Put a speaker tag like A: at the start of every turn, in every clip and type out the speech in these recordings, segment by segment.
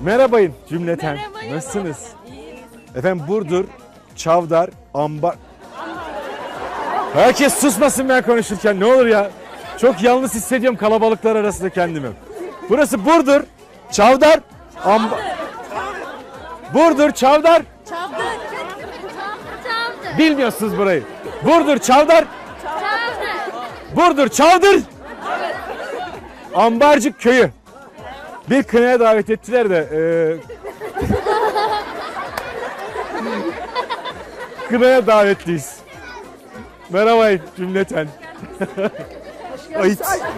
A: Merhabayın cümleten.
B: Merhaba.
A: Nasılsınız?
B: İyiyiz.
A: Efendim Burdur, Çavdar, Ambar... Herkes susmasın ben konuşurken ne olur ya. Çok yalnız hissediyorum kalabalıklar arasında kendimi. Burası Burdur, Çavdar, Ambar... Burdur, Çavdar.
B: Çavdar. Çavdar.
A: Bilmiyorsunuz burayı. Burdur, Çavdar.
B: Çavdar.
A: Burdur, Çavdır. Ambarcık köyü. Bir kınaya davet ettiler de kınaya davetliyiz. Merhaba cümleten. Ayıt.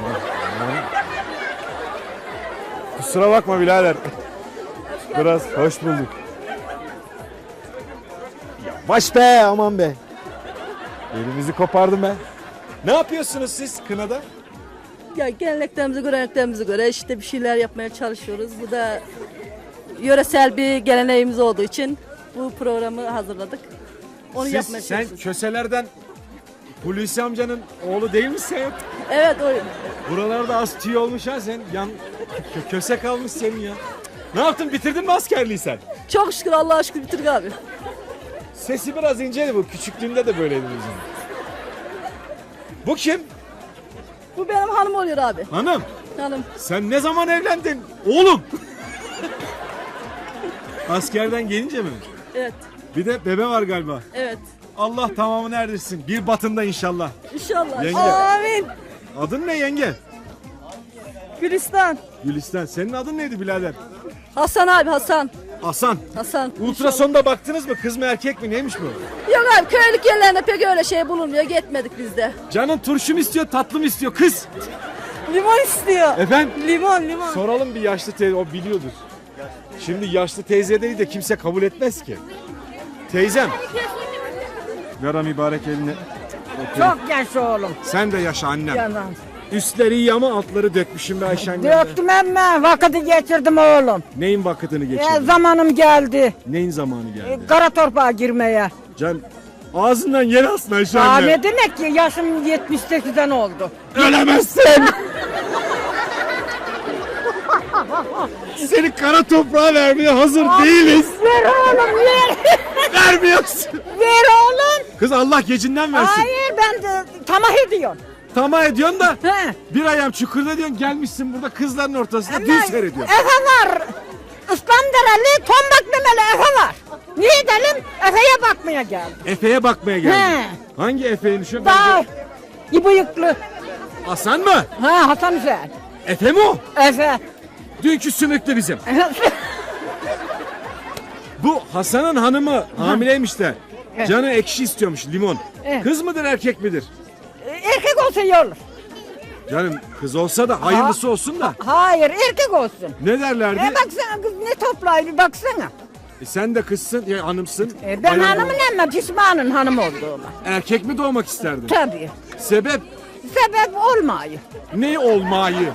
A: Kusura bakma birader. Biraz hoş bulduk. Yavaş be, aman be. Elimizi kopardım be. Ne yapıyorsunuz siz kınada?
C: Ya geleneklerimize, göreneklerimize göre işte bir şeyler yapmaya çalışıyoruz. Bu da yöresel bir geleneğimiz olduğu için bu programı hazırladık. Onu yapmaya
A: Sen
C: çalışıyoruz.
A: Köselerden Hulusi amcanın oğlu değil misin?
C: Evet, o
A: Buralarda az tüy olmuş ha sen. Köse kalmış senin ya. Ne yaptın, bitirdin mi askerliği sen?
C: çok şükür, Allah'a şükür bitirdik abi.
A: Sesi biraz inceydi bu. Küçüklüğünde de böyleydi bizim. Bu kim?
C: Bu benim hanım oluyor abi.
A: Hanım.
C: Hanım.
A: Sen ne zaman evlendin? Oğlum. Askerden gelince mi?
C: Evet,
A: Bir de bebe var galiba.
C: evet.
A: Allah tamamını erdirsin. Bir batında inşallah.
C: İnşallah.
A: Yenge.
C: Amin.
A: Adın ne yenge?
C: Gülistan.
A: Gülistan. Senin adın neydi birader?
C: Hasan abi, Hasan.
A: Hasan.
C: Hasan.
A: Ultrasonda baktınız mı? Kız mı erkek mi? Neymiş bu?
C: Yok abi, köylük yerlerinde pek öyle şey bulunmuyor. Gitmedik biz de.
A: Canın turşu mu istiyor, tatlı mı istiyor kız?
C: Limon istiyor.
A: Efendim?
C: Limon.
A: Soralım bir yaşlı teyze, o biliyordur. Şimdi yaşlı teyzeleri de kimse kabul etmez ki. Teyzem. Ver mübarek eline.
D: Çok genç oğlum.
A: Sen de yaşa annem.
D: Yalan.
A: Üstleri iyi ama altları dökmüşüm be Ayşen geldi.
D: Döktüm emme, vakiti geçirdim oğlum.
A: Neyin vakitini geçirdin?
D: Zamanım geldi.
A: Neyin zamanı geldi?
D: Kara torpağa girmeye.
A: Can ağzından yer alsın Ayşe
D: Aa,
A: anne.
D: ne demek ki yaşım 78'den oldu.
A: Ölemezsin. Seni kara toprağa vermeye hazır değiliz.
D: Ver oğlum ver.
A: Vermiyorsun.
D: Ver oğlum.
A: Kız Allah gecinden versin.
D: Hayır, ben de tamah ediyorum.
A: Tamam ediyorsun da
D: He.
A: bir ayağım çukurda diyorsun, gelmişsin burada kızların ortasında düğün seyrediyorsun.
D: Efe var. İslamdereli, tombak memeli Efe var. Niye edelim? Efe'ye bakmaya geldim.
A: Efe'ye bakmaya geldin.
D: He.
A: Hangi Efe'ymiş o?
D: Daha bıyıklı.
A: Hasan mı?
D: Ha, Hasan Hüseyin.
A: Efe mi o?
D: Efe.
A: Dünkü sümüklü bizim. Bu Hasan'ın hanımı hamileymiş de canı ekşi istiyormuş, limon.
D: Evet.
A: Kız mıdır erkek midir?
D: Erkek olsa iyi olur.
A: Canım kız olsa da hayırlısı olsun da.
D: Hayır, erkek olsun.
A: Ne derlerdi?
D: Baksana kız ne toplayı, bir baksana.
A: Sen de kızsın, ya hanımsın.
D: Ben
A: Bayan
D: hanımın
A: ol-
D: ama pişmanın hanım olduğuma.
A: Erkek mi doğmak isterdin?
D: Tabii.
A: Sebep
D: Sebep olmayı.
A: ne olmayı?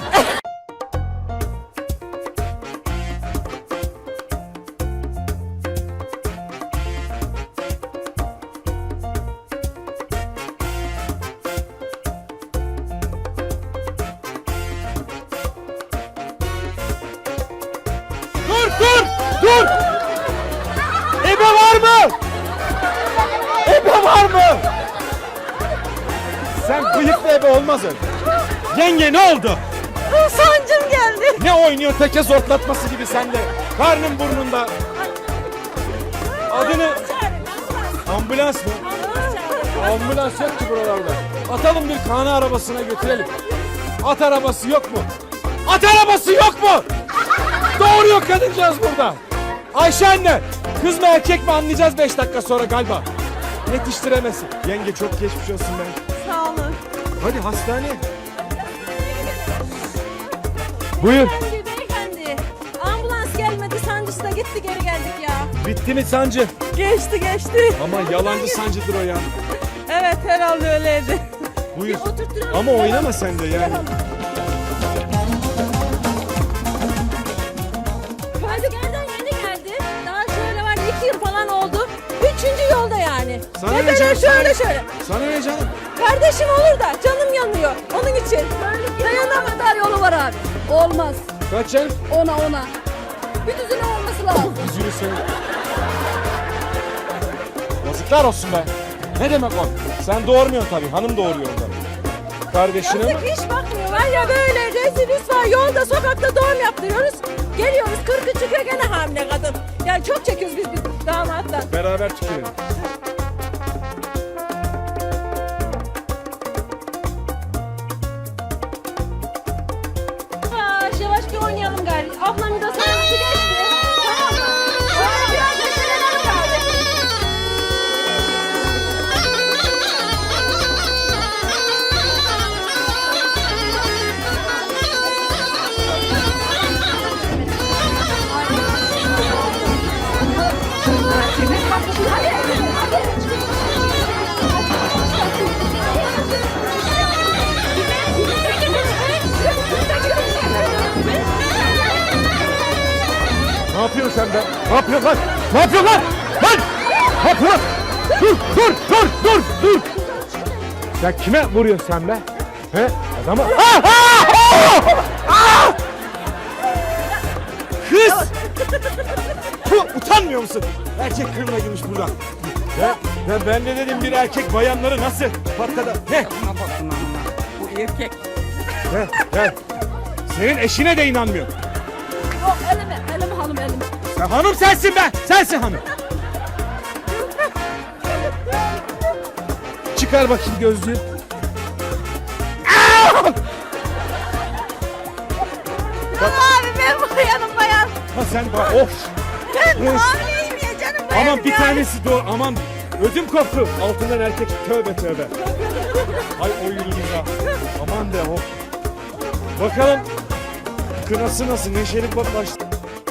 A: Dur! Ebe var mı? Ebe var mı? Sen bıyıklı ebe olmaz öyle. Yenge ne oldu?
C: Sancım geldi.
A: Ne oynuyor teke zortlatması gibi sende? Karnın burnunda. Adını... Ambulans mı? Ambulans yok ki buralarda. Atalım bir kana arabasına götürelim. At arabası yok mu? At arabası yok mu? Doğuruyor kadıncağız burada. Ayşe anne, kız mı erkek mi anlayacağız 5 dakika sonra galiba. Yetiştiremesin. Yenge çok geçmiş olsun ben.
C: Sağ olun.
A: Hadi hastaneye. Buyur.
B: Beyefendi. Ambulans gelmedi, sancısı da gitti, geri geldik ya.
A: Bitti mi sancı?
C: Geçti.
A: Ama yalancı sancıdır o ya.
C: Evet, herhalde öyleydi.
A: Buyur.
B: Oturtturalım.
A: Ama oynama sen de yani.
B: Askerden yeni geldi. Daha şöyle var 2 yıl falan oldu. 3. yolda yani.
A: Sana
B: Ne
A: ne
B: böyle
A: canım,
B: şöyle.
A: Sana ne canım?
B: Kardeşim olur da canım yanıyor. Onun için. Dayanamaz.
C: Yolu var abi. Olmaz.
A: Kaç canım?
C: Ona.
B: Bir düzine olması lazım.
A: Yüzünü senin. Yazıklar olsun be. Ne demek o? Sen doğurmuyorsun tabii. Hanım doğuruyor orada. Kardeşine mi?
B: Yazık hiç bakmıyorlar ya böyle rezil rüsva yolda sokakta doğum yaptırıyoruz. Geliyoruz 40'ı çıkıyor gene hamile kadın. Yani çok çekiyoruz biz damattan.
A: Beraber tükelim.
B: Yavaş yavaş bir oynayalım gari. Ablamın da sayısı geçti. Tamam mı? Sonra biraz da şileleri kaldı.
A: Ne yapıyorsun sen be? Ne yapıyorsun lan? Ne yapıyorsun lan? Lan! Ne yapıyorsun? Dur! Sen kime vuruyorsun sen be? He? Adama... Kız! Utanmıyor musun? Erkek kılına girmiş burada. Ben de dedim bir erkek bayanları nasıl patladı? Ne?
D: Bu erkek.
A: He. Senin eşine de inanmıyor.
B: Yok elime hanım elime.
A: Sen hanım sensin be! Sensin hanım. Çıkar bakayım gözlüğü.
B: Abi ben bayan.
A: Ha sen bak of.
B: Ben hamileyim ya canım bayanım.
A: Aman bir tanesi doğru. Aman ödüm koptu. Altından erkek tövbe. Ay o ya. Aman de of. Bakalım kınası nasıl? Neşeli başladı.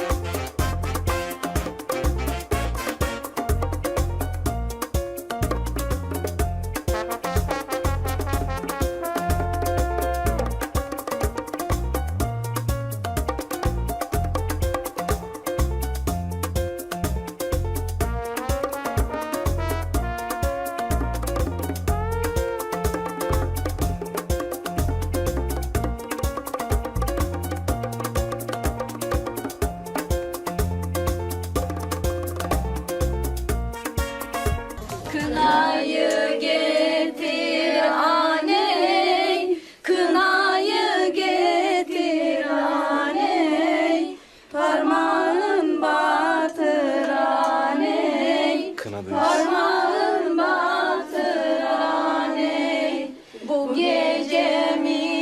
B: Kınayı getir aney, kınayı getir aney, parmağın batır aney, parmağın batır aney, bu gece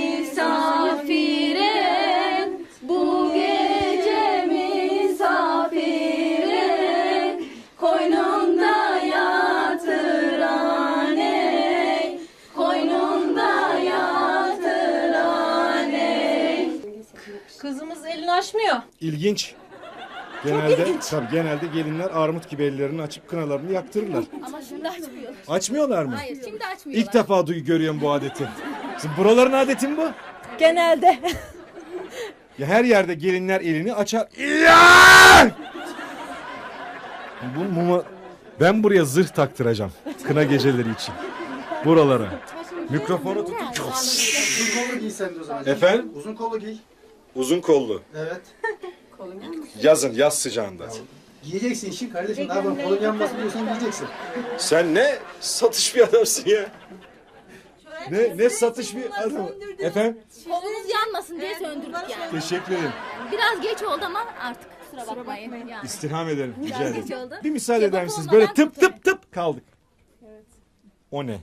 B: misafire, bu gece misafire, koynunda yatır aney, koynunda yatır aney. Kızımız elini açmıyor.
A: İlginç. Genelde gelinler armut gibi ellerini açıp kınalarını yaktırırlar.
B: Ama şimdi açmıyor.
A: Açmıyorlar mı?
B: Hayır şimdi açmıyorlar.
A: İlk defa görüyorum bu adeti. Sizin buraların adeti mi bu?
B: Genelde.
A: Ya her yerde gelinler elini açar. Ya! Bu muma... Ben buraya zırh taktıracağım. Kına geceleri için. Buralara. Mikrofonu tutup...
E: Uzun kollu giy sen de o zaman.
A: Efendim?
E: Uzun kollu giy.
A: Uzun kollu.
E: Evet.
A: Yazın, yaz sıcağında.
E: Giyeceksin işin kardeşim. Ne yapalım? Kolun yanmasın diyorsan giyeceksin.
A: Sen ne satış bir adamsın ya. Ne satış bir adam. Efendim?
F: Kolunuz yanmasın diye söndürdük yani.
A: Teşekkür ederim.
F: Biraz geç oldu ama artık kusura bakmayın. Yani.
A: İstirham ederim. Rica
F: Biraz
A: ederim.
F: geç oldu.
A: Bir müsaade eder
F: Kebap
A: misiniz?
F: olmadan
A: Böyle tıp
F: biter.
A: tıp tıp kaldık. O ne?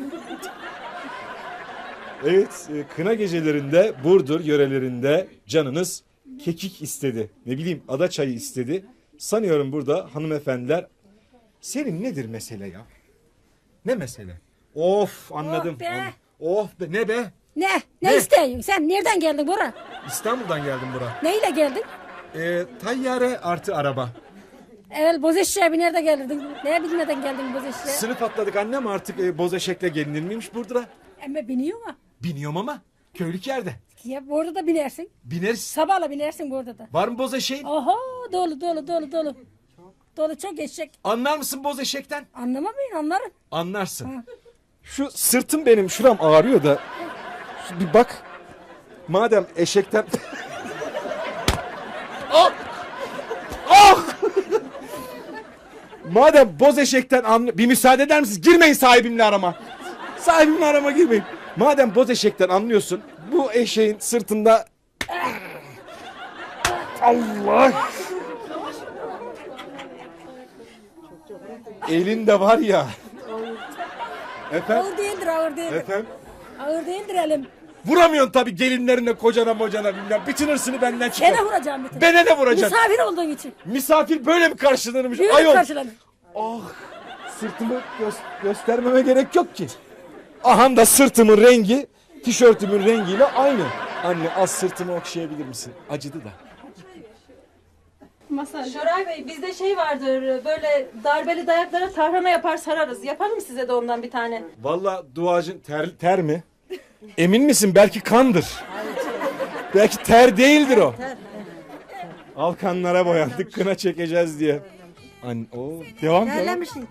A: Evet, kına gecelerinde Burdur yörelerinde canınız kekik istedi. Ne bileyim ada çayı istedi. Sanıyorum burada hanımefendiler. Senin nedir mesele ya? Ne mesele? Of anladım.
D: Oh be.
A: Oh be ne be?
D: Ne?
A: Ne?
D: Ne istiyorsun? Sen nereden geldin buraya?
A: İstanbul'dan geldim bura.
D: Neyle geldin?
A: Tayyare artı araba.
D: Evvel Bozeşe'ye bir nerede geldin? Neye bilmeden geldin Bozeşe'ye?
A: Sınıf atladık annem artık boz eşekle gelinir miymiş Burdur'a?
D: Ama biniyor mu?
A: Biniyorum ama köylük yerde.
D: Ya burada da binersin.
A: Bineriz.
D: Sabahla binersin burada da.
A: Var mı boz eşeğin?
D: Oho dolu. Dolu çok eşek.
A: Anlar mısın boz eşekten?
D: Anlamamayın anlarım.
A: Anlarsın. Şu sırtım benim şuram ağrıyor da bir bak. Madem eşekten... Ah! Madem boz eşekten bir müsaade eder misiniz? Girmeyin sahibimle arama. Sahibimle arama girmeyin. Madem boz eşekten anlıyorsun, bu eşeğin sırtında... Allah! Elinde var ya. Efendim?
D: Ağır değildir, ağır değildir.
A: Efendim?
D: Ağır değildir elim.
A: Vuramıyorsun tabii gelinlerine, kocana mocana bilmem. Bütün hırsını benden çıkar.
D: Gene vuracağım bir tane.
A: Bana ne vuracaksın?
D: Misafir olduğun için.
A: Misafir böyle mi karşılanırmış?
D: Yürü
A: Ayol.
D: karşılanın.
A: Ah, sırtımı göstermeme gerek yok ki. Aha da sırtımın rengi, tişörtümün rengiyle aynı. Anne az sırtımı okşayabilir misin? Acıdı da.
B: Şoray Bey bizde şey vardır böyle darbeli dayaklara tarhana yapar sararız. Yapalım size de ondan bir tane.
A: Vallahi duacın ter mi? Emin misin? Belki kandır. Belki ter değildir o. Alkanlara boyandık, kına çekeceğiz diye. Anne, devam.
D: Terlemişsin.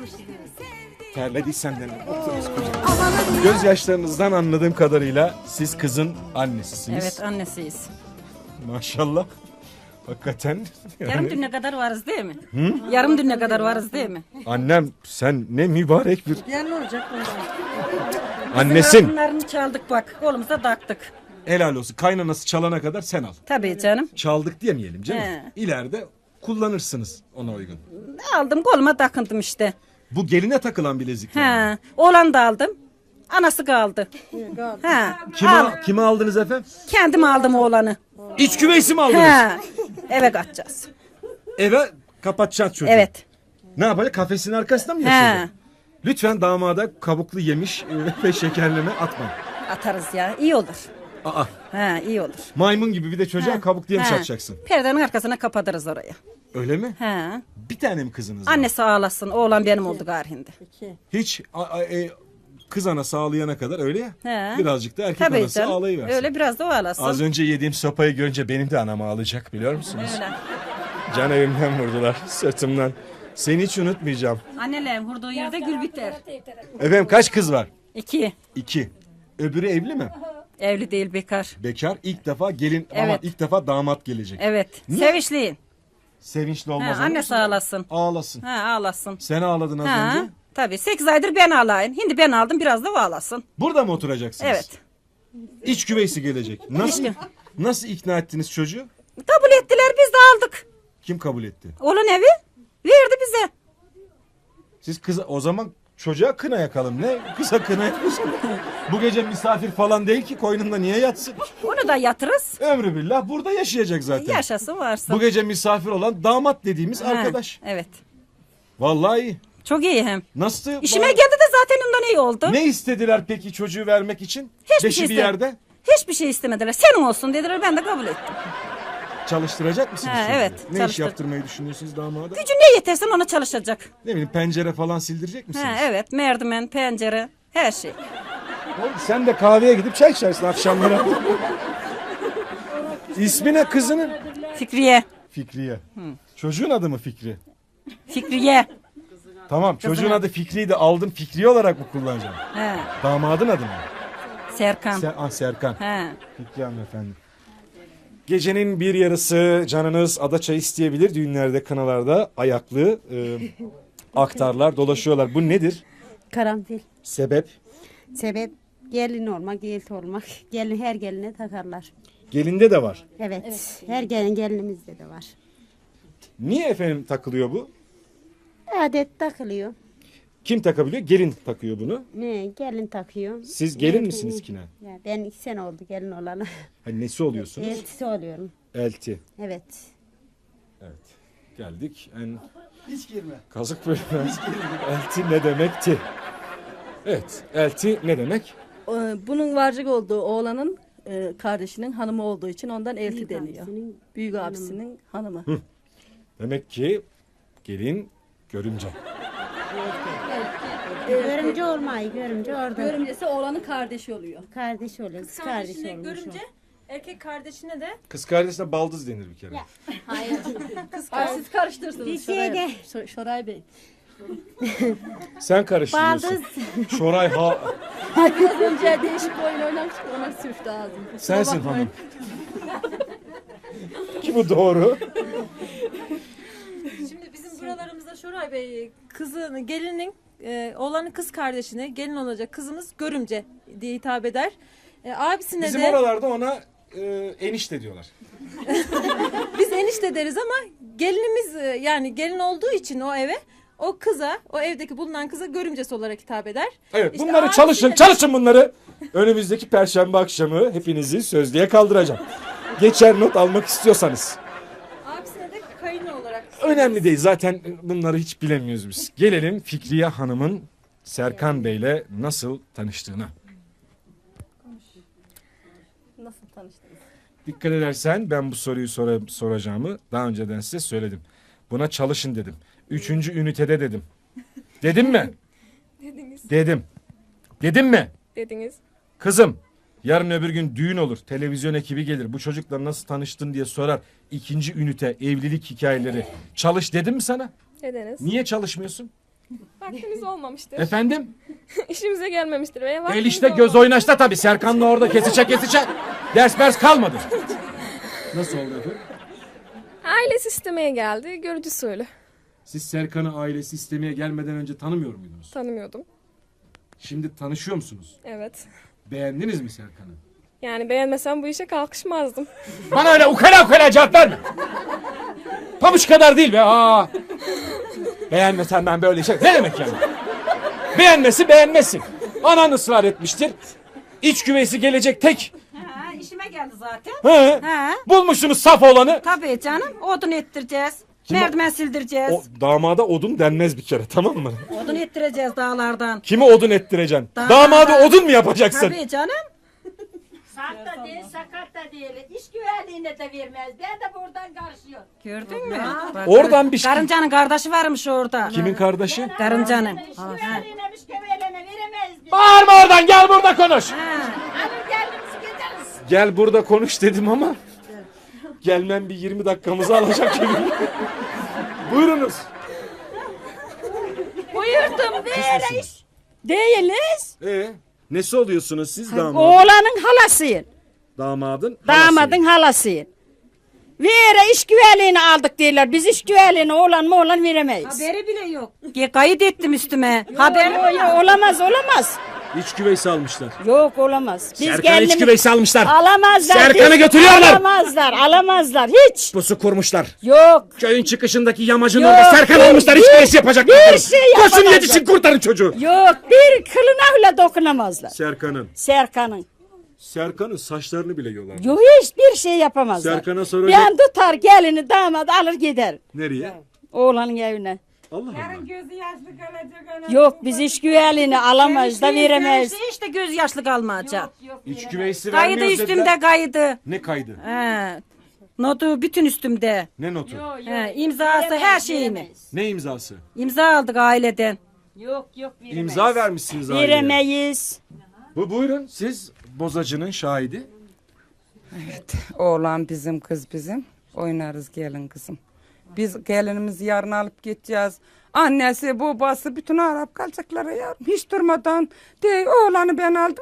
A: Terlediysen de otururuz kocam. Gözyaşlarınızdan anladığım kadarıyla siz kızın annesisiniz.
G: Evet annesiyiz.
A: Maşallah. Hakikaten.
G: Yarım düne kadar varız değil mi? Yarım düne kadar varız değil mi?
A: Annem sen ne mübarek bir
D: Ya ne olacak bundan?
A: annesin.
G: Bunlarını çaldık bak kolumuza taktık.
A: Helal olsun. Kaynanası çalana kadar sen al.
G: Tabii canım.
A: Çaldık diyemeyelim canım.
G: He.
A: İleride kullanırsınız ona uygun.
G: Aldım koluma takındım işte.
A: Bu geline takılan bilezik. yani.
G: He. Oğlan da aldım. Anası kaldı. He.
A: Kime aldınız efendim?
G: Kendim aldım oğlanı.
A: İç küveysi mi aldınız?
G: He. Eve kaçacağız.
A: Eve kapatacaksın çocuğu.
G: Evet.
A: Ne yapacak? Kafesin arkasında mı
G: He.
A: yaşayacak? Lütfen damada kabuklu yemiş ve şekerleme atma.
G: Atarız ya. İyi olur.
A: Aa,
G: He, iyi olur.
A: maymun gibi bir de çocuğa kabuklu yemiş
G: He.
A: atacaksın.
G: Perdenin arkasına kapatırız oraya.
A: Öyle mi?
G: He.
A: Bir tane mi kızınız var?
G: Annesi ağlasın. Oğlan benim oldu garhinde.
A: Hiç kız anası ağlayana kadar öyle ya.
G: He.
A: Birazcık da erkek
G: Tabii
A: anası
G: canım.
A: ağlayıversin.
G: Öyle biraz da o ağlasın.
A: Az önce yediğim sopayı görünce benim de anam ağlayacak biliyor musunuz?
G: Öyle.
A: Can evimden vurdular sırtımdan. Seni hiç unutmayacağım.
G: Annelerin vurduğu yerde gül biter.
A: Efendim kaç kız var?
G: 2.
A: 2. Öbürü evli mi?
G: Evli değil bekar.
A: Bekar. İlk defa gelin ama
G: Evet.
A: ilk defa damat gelecek.
G: Evet.
A: Niye?
G: Sevinçliyin.
A: Sevinçli
G: Ha,
A: olmaz.
G: annesi ağlasın.
A: Ağlasın.
G: Ha, ağlasın.
A: Sen ağladın az
G: Ha,
A: önce.
G: tabii 8 aydır ben ağlayın. Şimdi ben aldım biraz da o ağlasın.
A: Burada mı oturacaksınız?
G: Evet.
A: İç güveysi gelecek. Nasıl ikna ettiniz çocuğu?
G: Kabul ettiler biz de aldık.
A: Kim kabul etti?
G: Oğlan evi verdi bize.
A: Siz kıza o zaman çocuğa kına yakalım. Ne? Kıza kına yapıyorsun. Bu gece misafir falan değil ki koynunda niye yatsın?
G: Onu da yatırız.
A: Ömrü billah burada yaşayacak zaten.
G: Yaşasın varsın.
A: Bu gece misafir olan damat dediğimiz
G: Ha,
A: arkadaş.
G: Evet.
A: Vallahi iyi.
G: Çok iyi hem.
A: Nasıl?
G: İşime geldi de zaten ondan iyi oldu.
A: Ne istediler peki çocuğu vermek için?
G: Hiçbir
A: Beşi
G: şey
A: bir
G: istemedi.
A: yerde.
G: Hiçbir şey istemediler. Senin olsun dediler ben de kabul ettim.
A: Çalıştıracak mısınız?
G: Ha,
A: çocuğu?
G: evet,
A: Ne iş
G: çalıştır.
A: yaptırmayı düşünüyorsunuz damada?
G: Gücü ne yetersen ona çalışacak.
A: Ne bileyim pencere falan sildirecek misiniz?
G: Ha, evet merdiven, pencere her şey.
A: Oğlum, sen de kahveye gidip çay içersin akşamları. İsmi ne kızının?
G: Fikriye.
A: Fikriye. Çocuğun adı mı Fikri?
G: Fikriye.
A: Tamam çocuğun adı Fikri'yi de aldın Fikri olarak mı kullanacaksın?
G: He.
A: Damadın adı mı?
G: Serkan.
A: Serkan.
G: He.
A: Fikri hanımefendi. Gecenin bir yarısı canınız adaçay isteyebilir. Düğünlerde, kınalarda ayaklı aktarlar dolaşıyorlar. Bu nedir?
H: Karanfil.
A: Sebep?
H: Sebep gelin olmak, gelin olmak. Gelin her geline takarlar.
A: Gelinde de var.
H: Evet. Her gelinimizde de var.
A: Niye efendim takılıyor bu?
H: Adet takılıyor.
A: Kim takabiliyor? Gelin takıyor bunu.
H: Ne? Gelin takıyor.
A: Siz gelin misiniz kine?
H: Ya ben 2 sene oldu gelin olana.
A: Hani nesi oluyorsunuz?
H: Eltisi oluyorum.
A: Elti.
H: Evet.
A: Evet. Geldik en
E: Hiç girme.
A: kazık bölümüne. Elti ne demekti? Evet. Elti ne demek?
C: Bunun varcık olduğu oğlanın kardeşinin hanımı olduğu için ondan elti
H: Büyük
C: deniyor.
H: abisinin
C: Büyük abisinin hanımı.
A: Demek ki gelin görümce.
H: Görümce olmayı, görümce orada.
C: Görümcesi oğlanın kardeşi oluyor.
H: Kardeş oluyor. Kız kardeşi olmuş.
B: görünce erkek kardeşine de
A: Kız kardeşine baldız denir bir kere.
C: Hayır siz karıştırırsınız
H: Bir
C: Şoray,
H: şeyde-
C: Şoray Bey.
A: Sen karıştırıyorsun.
H: Baldız.
A: Şoray ha.
C: Az önce değişik bir oyun oynamıştık ona sürçtü ağzım.
A: Sensin hanım. Ki bu doğru.
B: şimdi bizim buralarımızda Şoray Muhtar Bey gelinin oğlanın kız kardeşine gelin olacak kızımız görümce diye hitap eder. Abisine
A: Bizim
B: de
A: oralarda ona enişte diyorlar.
B: biz enişte deriz ama gelinimiz yani gelin olduğu için o eve o kıza o evdeki bulunan kıza görümcesi olarak hitap eder.
A: Evet
B: İşte
A: bunları
B: abisine-
A: çalışın bunları. Önümüzdeki perşembe akşamı hepinizi sözlüğe kaldıracağım. Geçer not almak istiyorsanız.
B: Abisine de kayını olarak.
A: Önemli değil zaten bunları hiç bilemiyoruz biz. Gelelim Fikriye Hanım'ın Serkan Bey'le nasıl tanıştığına.
C: Nasıl tanıştınız?
A: Dikkat edersen ben bu soruyu soracağımı daha önceden size söyledim. Buna çalışın dedim. 3. ünitede dedim. Dedim mi?
I: Dediniz.
A: Dedim. Dedim mi?
I: Dediniz.
A: Kızım yarın öbür gün düğün olur. Televizyon ekibi gelir. Bu çocukla nasıl tanıştın diye sorar. 2. ünite evlilik hikayeleri. Çalış dedim mi sana?
I: Dediniz.
A: Niye çalışmıyorsun?
I: Vaktimiz olmamıştır.
A: Efendim?
I: İşimize gelmemiştir veya
A: El
I: vaktimiz
A: işte göz
I: olmamıştır.
A: oynaşta tabii. Serkan'la orada kesecek. Ders kalmadı. Nasıl oldu efendim?
I: Ailesi istemeye geldi. Görücü usulü.
A: Siz Serkan'ı ailesi istemeye gelmeden önce tanımıyor muydunuz?
I: Tanımıyordum.
A: Şimdi tanışıyor musunuz?
I: Evet.
A: Beğendiniz mi Serkan'ı?
I: Yani beğenmesem bu işe kalkışmazdım.
A: Bana öyle ukala cevap verme. Pabuç kadar değil be. Aa. Beğenmesen ben böyle şey. Ne demek yani? Beğenmesin. Anan ısrar etmiştir. İç güveysi gelecek tek.
G: Ha, işime geldi zaten.
A: He.
G: Ha.
A: Bulmuşsunuz saf olanı.
G: Tabii canım. Odun ettireceğiz.
A: Kim o?
G: Merdiven sildireceğiz.
A: O damada odun denmez bir kere, tamam mı?
G: Odun ettireceğiz dağlardan.
A: Kimi odun ettireceksin?
G: Damadı-
A: Damadı odun mu yapacaksın?
G: Tabii canım.
D: Sert da değil, sakat da değil. İş güvenliğine de vermez. Ben de buradan karışıyorum.
G: Gördün mü? Bak,
A: Oradan bir şey.
G: Karıncanın kardeşi varmış orada.
A: Kimin kardeşi?
G: Karıncanın.
D: İş güvenliğine, iş güvenliğine veremeyiz biz.
A: Bağırma oradan, gel burada konuş.
D: Alır geliriz gideriz.
A: Gel burada konuş dedim ama gelmem bir 20 dakikamızı alacak gibi. Buyurunuz.
D: Buyurdum
A: Değiliz.
D: Değiliz.
A: Nesi oluyorsunuz siz damadın?
D: Oğlanın halasıyım.
A: Damadın
D: Damadın halasıyım. Vere iş güvenliğini aldık diyorlar. Biz iş güvenliğini oğlan veremeyiz.
G: Haberi bile yok. Kayıt ettim üstüme. Haber
D: Olamaz.
A: İç güveysi almışlar.
D: Yok olamaz. Biz
A: Serkan'ı iç güveysi almışlar.
D: Alamazlar.
A: Serkan'ı
D: biz-
A: götürüyorlar.
D: Alamazlar hiç.
A: Pusu kurmuşlar.
D: Yok.
A: Köyün çıkışındaki yamacın
D: Yok,
A: orada Serkan almışlar. İç güveysi yapacaklar.
D: bir şey
A: Koşun
D: yapamazlar.
A: yetişin kurtarın çocuğu.
D: Yok bir kılına bile dokunamazlar.
A: Serkan'ın saçlarını bile yolar.
D: Yok hiçbir şey yapamazlar.
A: Serkan'a sonra
D: Ben tutar gelini damat alır gider.
A: nereye?
D: Oğlanın evine.
A: Allah Allah.
G: gözü yaşlı kalacak.
D: Yok biz iş güvenliğini alamayız da veremeyiz.
G: İşte göz yaşlı kalmayacak.
A: İç güveysi
G: Kaydı
A: vermiyoruz
G: üstümde
A: dediler.
G: kaydı.
A: Ne kaydı?
G: He. Notu bütün üstümde.
A: Ne notu?
G: He, imzası her şeyini.
A: Ne imzası?
G: İmza aldık aileden.
D: Yok
A: İmza vermişsiniz aileye.
D: veremeyiz.
A: Buyurun siz bozacının şahidi.
J: Oğlan bizim, kız bizim. Oynarız gelin kızım. Biz gelinimizi yarın alıp gideceğiz. Annesi, babası bütün Arap kalacaklar ya. Hiç durmadan de oğlanı ben aldım.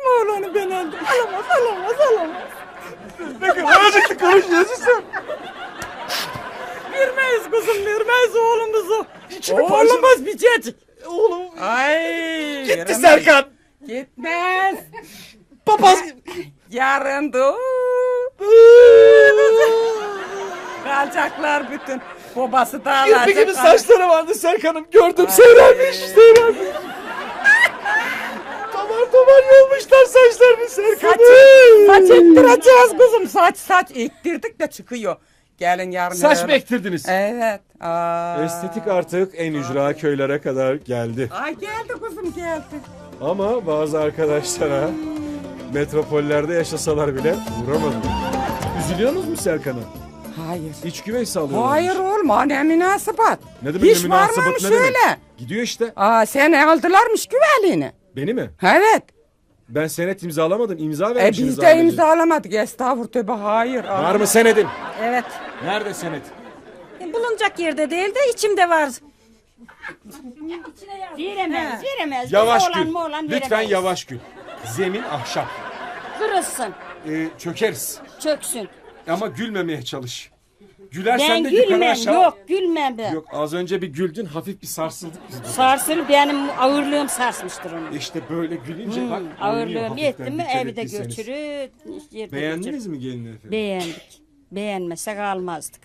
J: Alamaz.
A: Ne kadar acıklı konuşuyorsun sen.
J: Vermeyiz kızım, vermeyiz oğlumuzu.
A: Oğlumuz
J: bitecek.
A: Oğlum
J: Ay.
A: gitti
J: veremez.
A: Serkan.
J: Gitmez.
A: Papaz.
J: Yarın da kalacaklar bütün. Babası da alacak.
A: Kirpi gibi saçları vardı Serkan'ım. Gördüm seyrelmiş. Tamar yolmuşlar saçlarını Serkan'ım.
J: Saç ektireceğiz kızım. Saç ektirdik de çıkıyor. Gelin yarın.
A: Saç
J: öğlen.
A: mı ektirdiniz?
J: Evet.
A: Estetik artık en ücra köylere kadar geldi.
J: Ay geldi kızım geldi.
A: Ama bazı arkadaşlara metropollerde yaşasalar bile uğramadı. Üzülüyorsunuz mu Serkan'a?
J: Hayır.
A: İç güveysi alıyorlar.
J: Hayır olma ne münasebet.
A: Ne demek
J: Hiç
A: ne münasebet,
J: varmamış
A: ne demek?
J: öyle.
A: Gidiyor işte.
J: Seni aldılarmış güvenliğini.
A: Beni mi?
J: Evet.
A: Ben senet imzalamadım. İmza vermişsiniz.
J: Biz de
A: ailece.
J: imzalamadık. Estağfurullah tövbe hayır.
A: Var mı senedin?
G: Evet.
A: Nerede senet?
G: Bulunacak yerde değil de içimde var.
D: Veremez.
A: Yavaş
D: Biz
A: gül.
D: oğlan
A: Lütfen
D: veremeyiz.
A: yavaş gül. Zemin ahşap.
D: Kırılsın,
A: Çökeriz.
D: çöksün.
A: Ama gülmemeye çalış. Gülersen
D: Ben
A: de yukarı
D: gülmem.
A: aşağı.
D: Yok gülmem ben.
A: Yok az önce bir güldün hafif bir sarsıldık biz. burada.
D: Sarsıl benim ağırlığım sarsmıştır onu.
A: İşte böyle gülünce bak. oynuyor
D: Ağırlığım
A: hafiften,
D: yetti mi
A: dikkat
D: evi de
A: ettiyseniz.
D: götürür. Yerde
A: Beğendiniz
D: götürür.
A: mi gelini efendim?
D: Beğendik. Beğenmesek almazdık.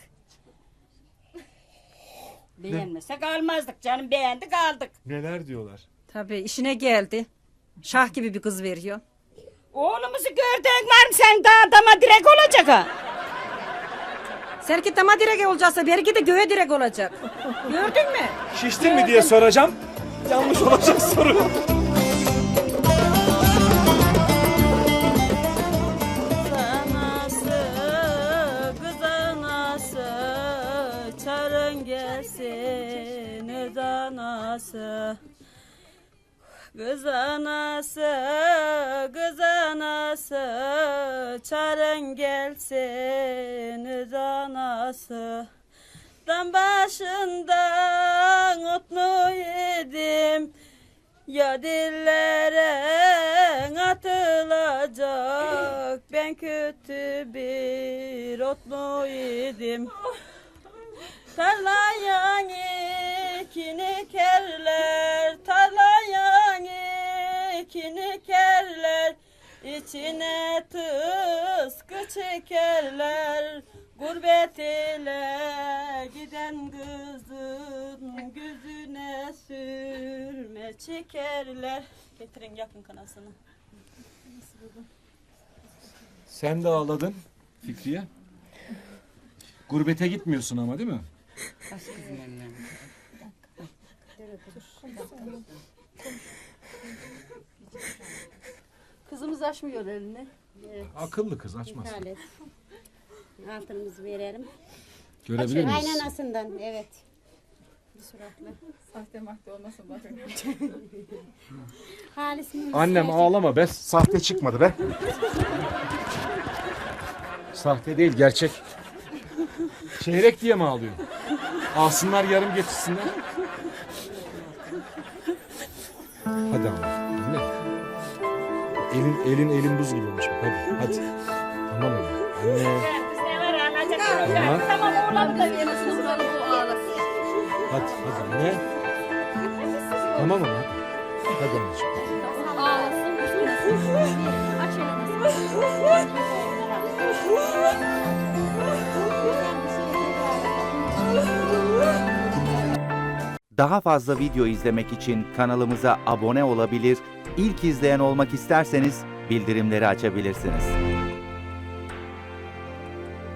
D: Beğenmesek almazdık canım, beğendik aldık.
A: Neler diyorlar?
G: Tabii işine geldi. Şah gibi bir kız veriyor.
D: Oğlumuzu gördün var mı sen daha dama direk olacak ha?
G: Seninki dama direk olacaksa benimki de göğe direk olacak. Gördün mü?
A: Şiştin mi diye soracağım. Yanlış olacak soru.
C: Kız anası, çarın gelsin öz anası. Kız anası, kız anası, çarın gelsin öz anası. Dam başından otlu yedim, ya dillere atılacak, ben kötü bir otlu yedim. Tarlayan ekini kerler, tarlayan ekini kerler, içine tıskı çekerler. Gurbet ile giden kızın gözüne sürme çekerler. Getirin yakın kanasını.
A: Sen de ağladın Fikriye. Gurbete gitmiyorsun ama değil mi?
C: Kızımız açmıyor elini.
A: Akıllı kız açmaz.
H: Altınımızı verelim.
A: Görebilir miyiz?
H: Kaynanasından evet. Halis mi?
A: Annem ağlama be. Sahte çıkmadı be. Sahte değil gerçek. Çeyrek diye mi ağlıyor? Alsınlar yarım getirsinler. Hadi ama. Anne. Elin buz gibi olmuş. Hadi. Tamam ama. Anne. Tamam.
F: Tamam oğlan da yemesin bunları bu ağlasın.
A: Hadi anne. Tamam ama. Hadi anneciğim.
F: Ağlasın. Üzülmesin. Aç elini.
K: Daha fazla video izlemek için kanalımıza abone olabilir, ilk izleyen olmak isterseniz bildirimleri açabilirsiniz.